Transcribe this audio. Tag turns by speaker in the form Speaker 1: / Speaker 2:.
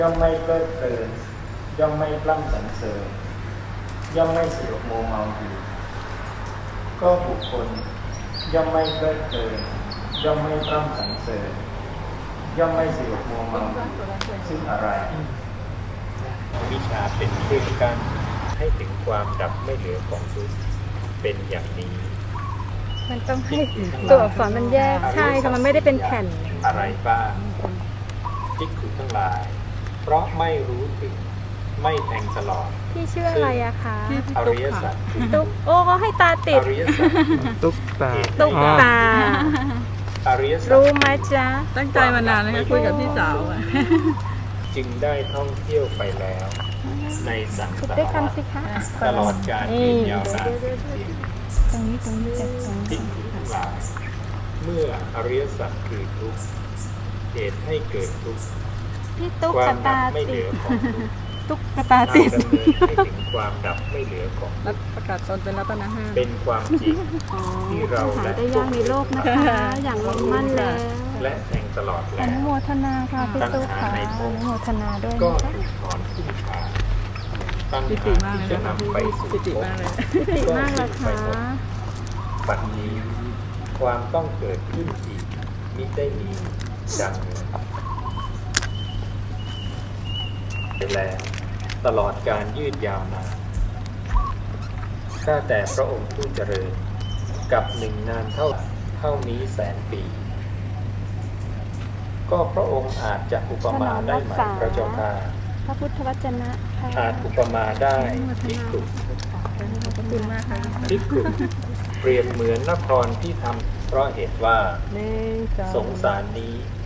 Speaker 1: ย่อมไม่เพลิดเพลินย่อมไม่ปล้ำสรรเสริญย่อมไม่สยบโมเมาอยู่ก็บุคคลย่อมไม่เพลิดเพลินย่อมไม่ปล้ำสรรเสริญย่อมไม่สยบโมเมาอยู่ซึ่งอะไรวิชาเป็นเครื่องกั้นให้ถึงความดับไม่เหลือของทุกข์เป็นอย่างนี้
Speaker 2: มันต้องให้ตัวอักษรมันแยกใช่ค่ะมันไม่ได้เป็นแผ่น
Speaker 1: อะไรบ้างภิกขุทั้งหลาย เพราะไม่รู้ถึงไม่แทงตลอด
Speaker 2: พี่ชื่ออะไรอะคะ
Speaker 1: อริยสัจ
Speaker 2: ตุ๊กโอ้เขาให้ตาติด
Speaker 1: อริยสัจ
Speaker 3: ตุ๊กตา
Speaker 2: ตุ๊กตา
Speaker 1: อริยสัจ
Speaker 2: รู้ไหมจ๊ะ
Speaker 4: ตั้งใจมานานแล้วค่ะคุยกับพี่สาวอะ
Speaker 1: จึงได้ท่องเที่ยวไปแล้ว ในสัง
Speaker 2: คุด
Speaker 1: สาร
Speaker 2: ด้วยกัน
Speaker 1: วัฏ
Speaker 2: สิคะ
Speaker 1: ตลอดการยืนยาวนาน
Speaker 4: ตรงนี้จัดตรง
Speaker 1: ภิกขุทั้งหลาย เมื่ออริยสัจคือทุกข์เหตุให้เกิดทุกข์
Speaker 2: พี่ตุ๊ก
Speaker 1: ความ
Speaker 2: ตา
Speaker 1: ดับไม่
Speaker 2: ติ
Speaker 1: เหลื
Speaker 2: ด
Speaker 1: อของทุกข์
Speaker 4: ตุ๊กตา
Speaker 1: ทาง
Speaker 4: ติด
Speaker 1: ดำเนินให้ถึงความดับไม่เหลือของทุกข์
Speaker 4: ประกาศตนเป็นรัตนห้า
Speaker 1: เป็นความจริง ที่เรา
Speaker 2: หา
Speaker 1: และ
Speaker 2: ได้ยากในโลกนะคะ อย่างลงมั่นแล้ว
Speaker 1: และแทงตลอด
Speaker 2: อ
Speaker 1: แล้ว
Speaker 2: นุโมทนาค่ะพี่ตุ๊กค่ะอนุโมทนาด้วย
Speaker 1: ก็
Speaker 2: นะคะ
Speaker 1: ถูกถอนขึ้นขาตั้ง
Speaker 4: ปิติมากเลย
Speaker 1: จะ
Speaker 4: นะคะ
Speaker 1: นำไปสู่
Speaker 4: ปิติมากเลย
Speaker 2: พิติมากเลยค่ะ
Speaker 1: ปัจจุบันนี้ความต้องเกิดขึ้นอีกมิได้มีดังนี้ไปแล้วตลอดการยืดยาวนานข้าแต่พระองค์ผู้เจริญกับหนึ่งนานเท่านี้แสนปี ก็พระองค์อาจจะอุปมาได้ไหมพระเจ้าค่ะ
Speaker 2: พระพุทธวจนะค่ะ
Speaker 1: อาจอุปมาได้ภิกขุ
Speaker 4: ขอบคุณมากค่ะ
Speaker 1: ภิกขุเปรียบเหมือนนครที่ทำเพราะเหตุว่า
Speaker 4: หนึ่ง
Speaker 1: สงสารนี้